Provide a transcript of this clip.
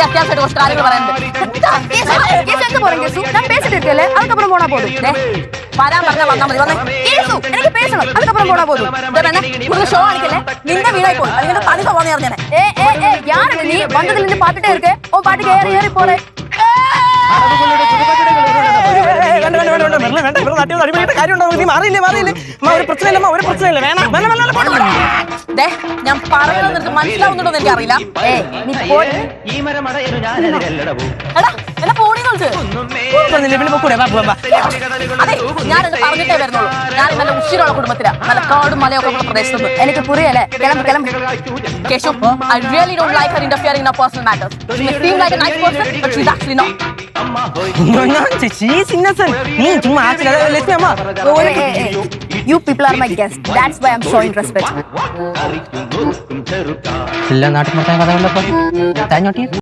அத்தியாவசிய ஒரு காரியங்கள் நான் பேசிட்டு இருக்கேன் அதுக்கப்புறம் போனா போதும் வராம வந்தா மതി எனக்கு பேசணும் அதுக்கப்புறம் போனா போதும் ஷோ அடிக்கல நின்ற வீடாய் போய் அதுக்கு தனிப்பா போனே இருந்தேன் யாரு நீ வந்ததுல இருந்து பாத்துட்டே இருக்க ஓ பாட்டுக்கு ஏறி ஏறி போறேன் ഞാൻ പറയുന്നത് മനസ്സിലാവുന്നുണ്ടോ എന്ന് എനിക്കറിയില്ല അതെ ഞാനത് പറഞ്ഞിട്ടേ വരുന്നുള്ളൂ ഞാൻ നല്ല ഉഷിരുള്ള കുടുംബത്തിലാ നല്ല കാടും മലയൊക്കെ ഉള്ള പ്രദേശത്ത് എനിക്ക് പുറിയല്ലേ കിളമ്പ് Keshu, I really don't like her interfering in our personal matters. She may seem like a nice person, but she's actually not. No, she's innocent. You people are my guests. That's why I'm showing respect.